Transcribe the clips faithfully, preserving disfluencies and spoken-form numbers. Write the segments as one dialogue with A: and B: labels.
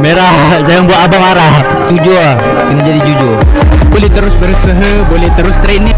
A: Merah, jangan buat abang marah. Jujur lah, kena jadi jujur.
B: Boleh terus berusaha, boleh terus training.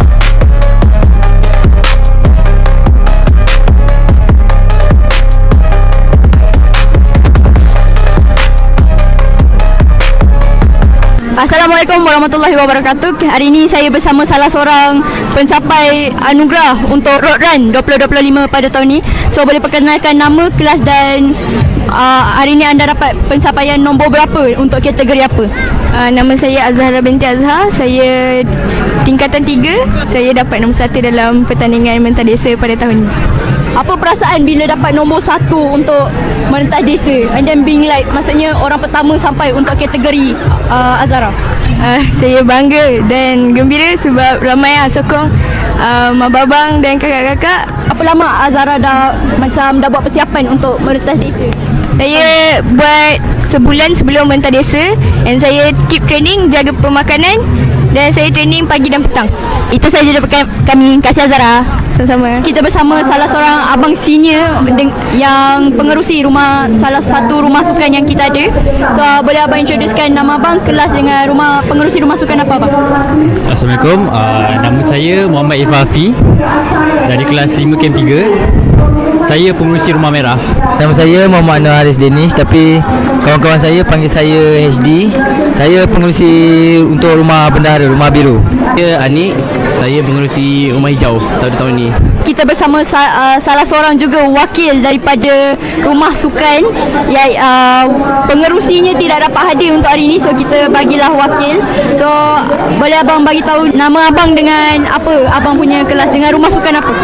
C: Assalamualaikum warahmatullahi wabarakatuh. Hari ini saya bersama salah seorang pencapai anugerah untuk Road Run dua ribu dua puluh lima pada tahun ini. So boleh perkenalkan nama, kelas dan uh, hari ini anda dapat pencapaian nombor berapa untuk kategori apa?
D: Uh, nama saya Azhara binti Azhar. Saya tingkatan tiga. Saya dapat nombor satu dalam pertandingan mentas desa pada tahun ini.
C: Apa perasaan bila dapat nombor satu untuk mentas desa and then being like, maksudnya orang pertama sampai untuk kategori uh, Azhara?
D: Uh, saya bangga dan gembira sebab ramai yang sokong uh, abang-abang dan kakak-kakak.
C: Apa lama Azhara dah macam dah buat persiapan untuk mentas desa?
D: Saya buat sebulan sebelum mentas desa and saya keep training, jaga pemakanan dan saya training pagi dan petang.
C: Itu sahaja daripada kami. Kasih Azhara.
D: Sama-sama.
C: Kita bersama salah seorang abang senior yang pengerusi rumah, salah satu rumah sukan yang kita ada. So boleh abang introducekan nama abang, kelas dengan rumah pengerusi rumah sukan apa abang?
A: Assalamualaikum, uh, nama saya Muhammad Ifafi dari kelas lima Camp tiga. Saya pengurusi Rumah Merah.
E: Nama saya Muhammad Anwar Haris Danish, tapi kawan-kawan saya panggil saya H D. Saya pengurusi untuk Rumah Bendahara, Rumah Biru.
F: Saya Anik, saya pengurusi Rumah Hijau pada tahun ini.
C: Kita bersama sa- uh, salah seorang juga wakil daripada rumah sukan yang uh, pengerusinya tidak dapat hadir untuk hari ini, so kita bagilah wakil. So boleh abang bagi tahu nama abang dengan apa abang punya kelas dengan rumah sukan apa?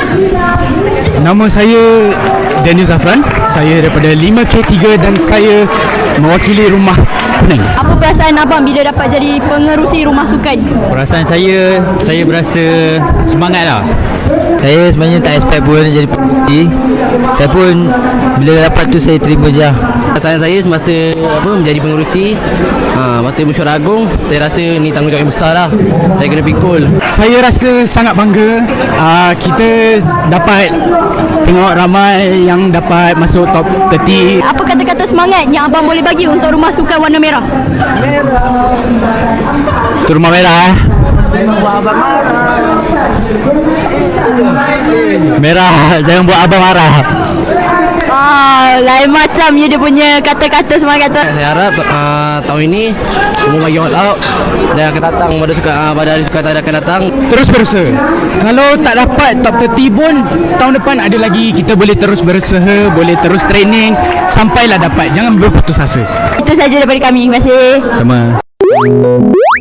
B: Nama saya Daniel Zafran. Saya daripada lima K tiga dan saya mewakili Rumah Kuning.
C: Apa perasaan abang bila dapat jadi pengerusi rumah sukan?
A: Perasaan saya, saya berasa semangat lah.
E: Saya sebenarnya tak expect pun jadi pengurusi. Saya pun bila dapat tu saya terima je lah.
F: Perasaan saya semasa apa, menjadi pengurusi ha, masa mesyuarat agung, saya rasa ni tanggungjawab yang besar lah. Saya kena pikul.
B: Saya rasa sangat bangga. uh, Kita dapat tengok ramai yang dapat masuk top tiga puluh.
C: Apa kata-kata semangat yang abang boleh bagi untuk rumah sukan warna merah?
A: Tu Rumah Merah eh. Merah, jangan buat abang marah.
C: Ah, lain macam je dia punya kata-kata semangat tu.
F: Saya harap uh, tahun ini semua bagi all out dan akan datang pada suka uh, pada hari sukan akan datang.
B: Terus berusaha. Kalau tak dapat top tiga puluh pun, tahun depan ada lagi. Kita boleh terus berusaha, boleh terus training sampailah dapat. Jangan berputus asa.
C: Itu saja daripada kami. Terima kasih.
A: Sama.